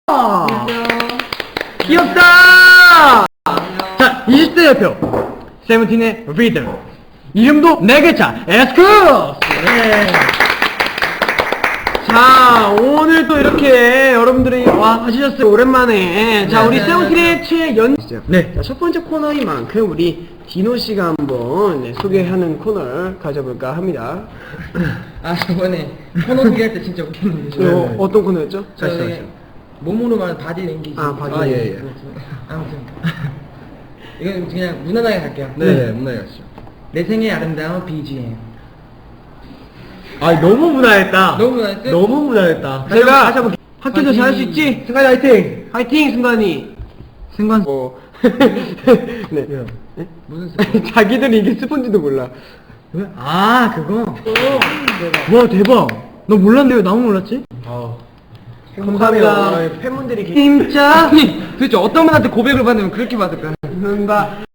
귀엽다. 자, 20대 대표 세븐틴의 리더. 이름도 4글자 에스쿠스. 네. 자, 오늘 또 이렇게 여러분들이 와 하셨어요. 오랜만에. 자, 우리 세븐틴의 최연시죠. 네. 자, 첫 번째 코너인 만큼 우리 디노 씨가 한번 소개하는 코너를 가져볼까 합니다. 아, 저번에 코너 소개할 때 진짜 웃겼는데. 어떤 코너였죠? 저희 몸으로 말하는 바디 랭귀지. 아, 바디 랭귀지. 아무튼 이건 그냥 무난하게 갈게요. 네, 무난하게 가시죠. 내 생의 아름다운 BGM. 아, 너무 무난했다. 너무 무난했지? 너무 무난했다. 다시 제가 한번 학교도 잘할 수 있지? 승관이 화이팅! 화이팅, 승관이! 승관. 네. 무슨 자기들이 이게 스폰지도 몰라. 아, 그거. 와, 대박. 너 몰랐는데 왜 나만 몰랐지? 감사합니다. 팬분들이 진짜 도대체 어떤 분한테 고백을 받으면 그렇게 받을까? 감사합니다.